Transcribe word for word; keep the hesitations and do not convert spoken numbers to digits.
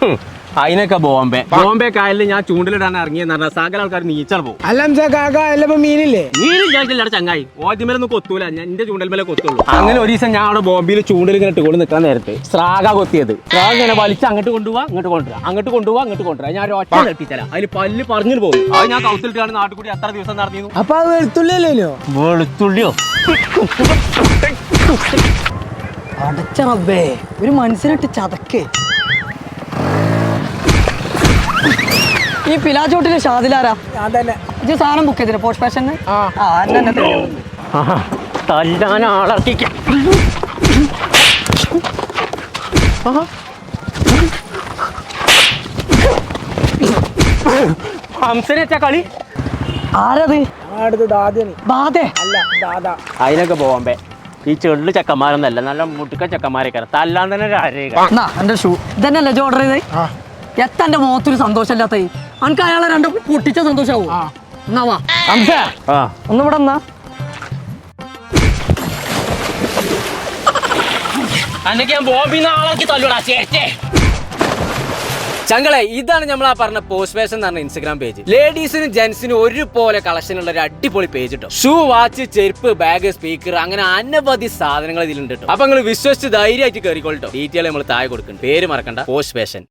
അതിനൊക്കെ ബോംബെ ബോംബെ കായലിൽ ഞാൻ ചൂണ്ടിലിടാൻ ഇറങ്ങിയെന്ന് പറഞ്ഞാൽ സകല ആൾക്കാർ നീച്ചാൽ പോകും. അല്ല മീനില്ലേ? മീനില്ലാ ചങ്ങായി, ഓദ്യമേലൊന്നും കൊത്തൂല, ഞാൻ എന്റെ ചൂണ്ടൽ മേലെ കൊത്തുള്ളൂ. അങ്ങനെ ഒരു ദിവസം ഞാൻ അവിടെ ബോംബെയിൽ ചൂണ്ടിൽ ഇങ്ങനെ ഇട്ടുകൊണ്ട് നിൽക്കാൻ നേരത്തെ സ്രാഗ കൊത്തിയത്. സ്രാഗ ഇങ്ങനെ വലിച്ച് അങ്ങോട്ട് കൊണ്ടുപോവാ ഇങ്ങോട്ട് കൊണ്ടുവരാം, അങ്ങോട്ട് കൊണ്ടുപോവാ അങ്ങോട്ട് കൊണ്ടുവരാം. ഞാൻ ഒറ്റ നെട്ടിച്ചല അതിൽ പല്ല് പറഞ്ഞു പോകും. അത് ഞാൻ കൗത്തിലിട്ടാണ് നാട്ടിൽ കൂടി അത്ര ദിവസം നടന്നിരുന്നു. അപ്പൊ അത് വെളുത്തുള്ളിയല്ലോ? വെളുത്തുള്ളിയോ? അടച്ച റബ്ബേ, ഒരു മനസ്സിനിട്ട് ചതക്കേ. ഈ പിലാച്ചോട്ടിലെ ഷാദിലാരാ? ഇത് സാധനം ബുക്ക് ചെയ്തില്ല പോസ്റ്റ് ഫാഷന്? തല്ലാൻ ആളർക്കിക്ക ഹംസനെച്ച കളി ആരത്? ബാധേ അല്ല ദാദാ. അതിനൊക്കെ ബോംബെ ഈ ചെള്ളു ചെക്കന്മാരൊന്നല്ല, നല്ല മുട്ടുക്ക ചെക്കന്മാരൊക്കെ തല്ലാൻ തന്നെ എന്റെ ഷൂ ഇതന്നെയല്ലേ ഓർഡർ ചെയ്തേ? എത്തന്റെ മുഖത്തൊരു സന്തോഷമില്ലാത്ത അനക്ക് അയാളെ രണ്ടും പൊട്ടിച്ച സന്തോഷാവോ? എന്നാവാ ഒന്ന് ഇവിടെ എന്നാ ചങ്കളെ. ഇതാണ് നമ്മൾ ആ പറഞ്ഞ പോസ്റ്റ് ഫാഷൻ എന്ന് പറഞ്ഞ ഇൻസ്റ്റാഗ്രാം പേജ്. ലേഡീസിനും ജെന്റ്സിനും ഒരുപോലെ കളക്ഷൻ ഉള്ള ഒരു അടിപൊളി പേജ് കിട്ടും. ഷൂ, വാച്ച്, ചെരുപ്പ്, ബാഗ്, സ്പീക്കർ, അങ്ങനെ അനവധി സാധനങ്ങൾ ഇതിലുണ്ട്. അപ്പൊ നിങ്ങൾ വിശ്വസിച്ച് ധൈര്യമായിട്ട് കയറിക്കോളട്ടോ. ഡീറ്റെയിൽ നമ്മൾ താഴെ കൊടുക്കും. പേര് മറക്കണ്ട, പോസ്റ്റ് ഫാഷൻ.